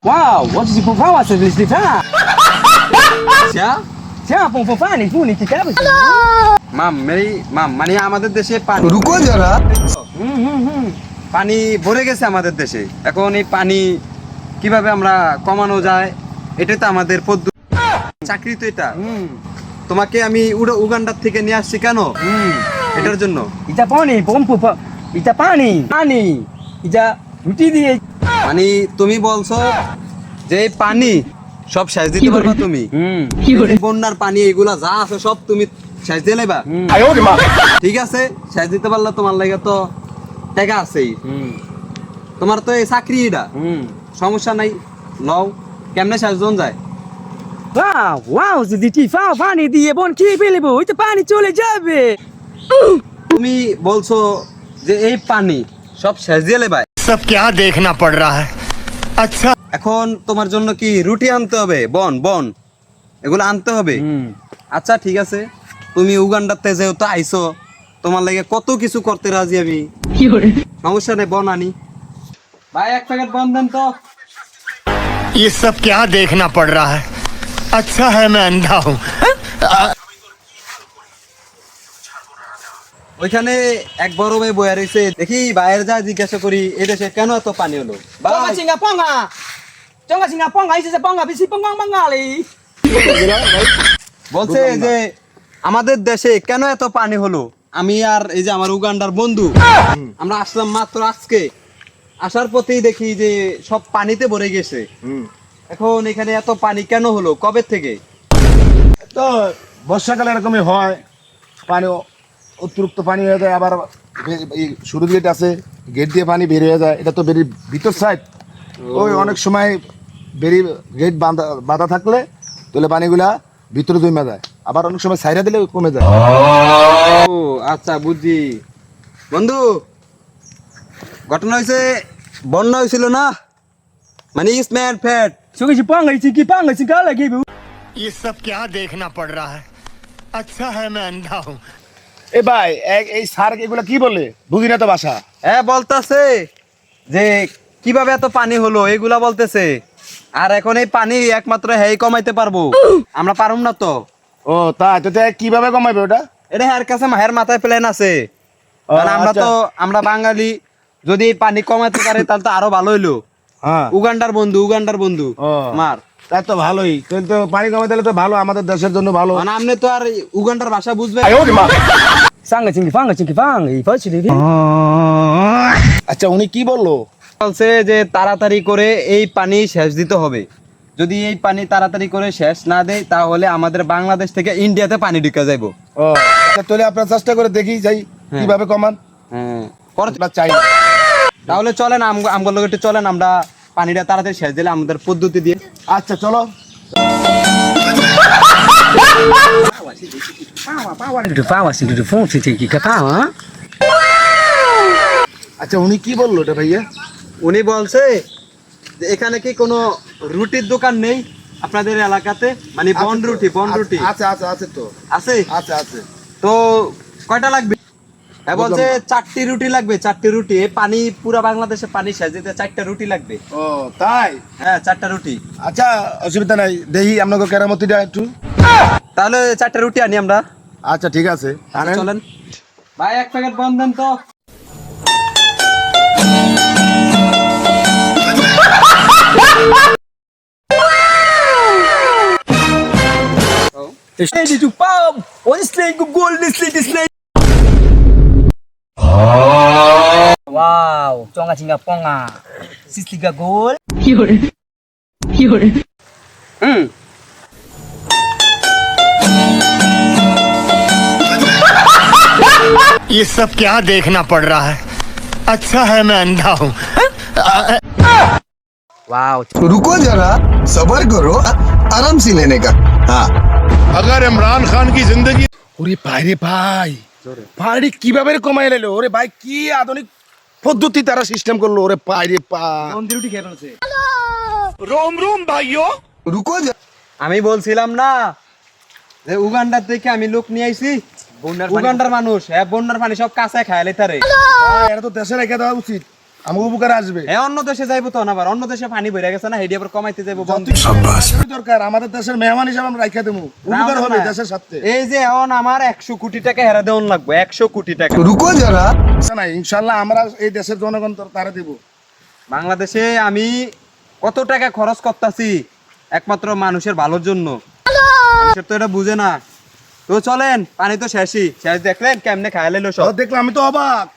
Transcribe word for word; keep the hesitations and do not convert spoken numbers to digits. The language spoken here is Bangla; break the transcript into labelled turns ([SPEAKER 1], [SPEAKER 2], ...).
[SPEAKER 1] Wow, wat is die vrouw als het is die vrouw?
[SPEAKER 2] क्या
[SPEAKER 1] Ja, pom pom pani, puni ki kabe.
[SPEAKER 2] মাম মেরি মাম মানে আমাদের দেশে পানি
[SPEAKER 3] रुको जरा
[SPEAKER 1] হুম হুম হুম
[SPEAKER 2] পানি ভরে গেছে আমাদের দেশে। এখন এই পানি কিভাবে আমরা কমানো যায়, এটা তো আমাদের পদ্ধতি। চাকরি তো এটা।
[SPEAKER 1] হুম
[SPEAKER 2] তোমাকে আমি উড়া- উগান্ডার থেকে নিয়ে আসছি কেন?
[SPEAKER 1] হুম
[SPEAKER 2] এটার জন্য।
[SPEAKER 1] Ita pani, pom pom pom. Ita pani, pani. Ita রুটি দিয়ে
[SPEAKER 2] মানে তুমি বলছো যে এই পানি সব সেচ দিতে পারবা তুমি?
[SPEAKER 1] হুম
[SPEAKER 2] এই যে বন্যার পানি এগুলা যা আছে সব তুমি সেচ দিয়ে লেবা?
[SPEAKER 1] হুম
[SPEAKER 2] ঠিক আছে, সেচ দিতে পারলে তোমার লাগে তো টাকা আছেই।
[SPEAKER 1] হুম
[SPEAKER 2] তোমার তো এই চাকরি এটা,
[SPEAKER 1] হুম
[SPEAKER 2] সমস্যা নাই, লও। কেমনে সেচ জন যায়?
[SPEAKER 1] Wow, wow, যদি টি ফাও পানি দিয়ে বোন কি ফেলবো ওইটা পানি চলে যাবে।
[SPEAKER 2] তুমি বলছো যে এই পানি সব সেচ দিয়ে লেবা।
[SPEAKER 3] सब क्या देखना पड़ रहा है अच्छा
[SPEAKER 2] এখন তোমার জন্য কি রুটি আনতে হবে, বন বন এগুলো আনতে হবে।
[SPEAKER 1] হুম
[SPEAKER 2] আচ্ছা ঠিক আছে, তুমি উগান্ডাতে যেহেতু আইছো, তোমার লাগে কত কিছু করতে রাজি আমি। সমস্যা নেই, বন আনি। ভাই এক প্যাকেট বন দেন তো।
[SPEAKER 3] ये सब क्या देखना पड़ रहा है अच्छा है मैं अंधा हूँ
[SPEAKER 2] ওইখানে এক বড় ভাই বয়া রয়েছে, দেখি বাইরে যা জিজ্ঞাসা করি এই দেশে কেন এত পানি হলো।
[SPEAKER 1] Ponga
[SPEAKER 2] ভাই
[SPEAKER 1] singa ponga. Jonga singa ponga, isi se ponga, bisi ponga ponga li.
[SPEAKER 2] বলছে যে আমাদের দেশে কেন এত পানি হলো। আমি আর এই যে আমার উগান্ডার বন্ধু আমরা আসলাম মাত্র আজকে, আসার পথেই দেখি যে সব পানিতে ভরে গেছে। এখন এখানে এত পানি কেন হলো, কবে থেকে?
[SPEAKER 4] তো বর্ষাকালে এরকমই হয়, পানি অতিরিক্ত পানি হয়ে যায়। আবার বে- এই শুরু গেট আছে, গেট দিয়ে পানি বের হয়ে যায়। এটা তো বেরির ভিতর সাইড, ওই অনেক সময় বেরি গেট বাঁধা বাঁধা থাকলে তাহলে পানিগুলা ভিতরে জমে যায়, আবার অনেক সময় সাইরা দিলে কমে যায়।
[SPEAKER 2] ও আচ্ছা বুঝছি। বন্ধু, ঘটনা হয়েছে বন্যা হয়েছিল না, মানে স্ম্যাট ফ্যাট।
[SPEAKER 1] Jonga si ponga, isi ki ponga, isi kala ki bu.
[SPEAKER 3] ये सब क्या देखना पड़ रहा है अच्छा है मैं अंधा हूँ
[SPEAKER 4] এ ভাই এক- এই সার এগুলা কি বলে বুঝি না তো ভাষা।
[SPEAKER 2] হ্যাঁ বলতেছে যে কিভাবে এত পানি হলো এগুলা বলতেছে। আর এখন এই পানি একমাত্র হ্যাঁ কমাইতে পারবো, আমরা পারুম না তো।
[SPEAKER 4] ও তাই তো, তাই কিভাবে কমাবে ওটা?
[SPEAKER 2] এটা হ্যার কাছে হ্যার মাথায় প্ল্যান আছে।
[SPEAKER 4] ও,
[SPEAKER 2] কারণ আমরা
[SPEAKER 4] আচ্ছা।
[SPEAKER 2] তো আমরা বাঙালি, যদি এই পানি কমাতে পারে তাহলে তো আরো ভালো হইলো।
[SPEAKER 4] হ্যাঁ
[SPEAKER 2] উগান্ডার বন্ধু উগান্ডার বন্ধু
[SPEAKER 4] ও
[SPEAKER 2] মার,
[SPEAKER 4] তাই তো ভালোই, তাহলে তো পানি কমাতে দিলে তো ভালো, আমাদের দেশের জন্য ভালো।
[SPEAKER 2] মানে আপনি তো আর উগান্ডার ভাষা বুঝবে।
[SPEAKER 1] Sanga singi ponga, singi ponga, i fachi li.
[SPEAKER 4] আচ্ছা উনি কি বললো?
[SPEAKER 2] বলছে যে তাড়াতাড়ি করে এই পানি শেষ দিতে হবে। যদি এই পানি তাড়াতাড়ি করে শেষ না দেয় তাহলে আমাদের বাংলাদেশ থেকে ইন্ডিয়াতে পানি ঢুকে যাইবো।
[SPEAKER 4] ও আচ্ছা, তাহলে আপনার চেষ্টা করে দেখি যাই
[SPEAKER 2] হ্যাঁ।
[SPEAKER 4] কিভাবে কমান।
[SPEAKER 2] হ্যাঁ কর-
[SPEAKER 4] আমরা চাই
[SPEAKER 2] তাহলে চলেন আম- আমগুলো লোক একটু চলেন, আমরা পানিটা তাড়াতাড়ি শেষ দিলে আমাদের পদ্ধতি দিয়ে।
[SPEAKER 4] আচ্ছা চলো।
[SPEAKER 1] Du fawa singi du fon si ki ka pawa.
[SPEAKER 4] আচ্ছা উনি কি বললো এটা ভাইয়া?
[SPEAKER 2] উনি বলছে যে এখানে কি কোনো রুটির দোকান নেই আপনাদের এলাকাতে, মানে বন রুটি বন রুটি
[SPEAKER 4] আচ্ছা আচ্ছা আছে তো,
[SPEAKER 2] আছে?
[SPEAKER 4] আচ্ছা আছে।
[SPEAKER 2] তো কয়টা লাগবে? হ্যাঁ বলছে চারটি রুটি লাগবে, চারটি রুটি। এই পানি পুরো বাংলাদেশে পানি শেষ দিতে চারটা রুটি লাগবে।
[SPEAKER 4] ও তাই,
[SPEAKER 2] হ্যাঁ চারটা রুটি।
[SPEAKER 4] আচ্ছা অসুবিধা নাই, দেখি আপনাকে কেরামতিটা একটু।
[SPEAKER 2] তাহলে চারটা রুটি আনি আমরা।
[SPEAKER 4] আচ্ছা ঠিক আছে
[SPEAKER 2] আচ্ছা,
[SPEAKER 4] আনেন।
[SPEAKER 2] চলেন ভাই এক প্যাকেট বন দেন তো।
[SPEAKER 1] Steady du pau. One slay go goal, this slay this slay. Wow, jonga singa ponga. Sisli ga goal.
[SPEAKER 5] Fiore. Fiore.
[SPEAKER 2] হুম
[SPEAKER 3] ये सब क्या देखना पड़ रहा है अच्छा है मैं अंधा हूँ
[SPEAKER 1] Wow.
[SPEAKER 6] रुको जरा सबर करो आराम से लेने का हाँ
[SPEAKER 7] अगर इमरान खान की जिंदगी
[SPEAKER 4] ওরে ভাই রে ভাই, পানি কিভাবে কমাই লাইলো? ওরে ভাই কি আধুনিক পদ্ধতি তারা সিস্টেম করলো, ওরে ভাই রে ভাই।
[SPEAKER 1] Kondi roti খেয়ে ফেলছে।
[SPEAKER 7] रोम रोम भाइयों
[SPEAKER 6] रुको जरा
[SPEAKER 2] আমি বলছিলাম না যে উগান্ডার থেকে আমি লোক নিয়ে আইছি। উগান্ডার মানুষ হ্যাঁ বন্যার পানি সব কাঁচা খায় লেতারে।
[SPEAKER 4] ভাই, এটা তো দেশে রেখে দেওয়া উচিত। আমার উপকারে আসবে।
[SPEAKER 2] হ্যাঁ অন্য দেশে যাইবো তো না, আবার অন্য দেশে পানি ভরে গেছে না, হেডি আবার কমাইতে যাইবো বন্ধ।
[SPEAKER 4] যতই দরকার আমাদের দেশের মেহমান হিসাবে আমরা রাইখা দেবো, উপকার হবে দেশের সাথে।
[SPEAKER 2] এই যে এখন আমার একশো কোটি টাকা হেরা দেওয়ান লাগবে, একশো কোটি টাকা।
[SPEAKER 6] रुको जरा
[SPEAKER 4] না ইনশাল্লাহ আমরা এই দেশের জনগণ তো তারা দেবো।
[SPEAKER 2] বাংলাদেশে আমি কত টাকা খরচ করতেছি একমাত্র মানুষের ভালোর জন্য, মানুষের তো এটা বুঝে না। তো চলেন, পানি তো শেষই শেষ, দেখলেন কেমনে খাইলে
[SPEAKER 4] তো দেখলাম আমি তো অবাক।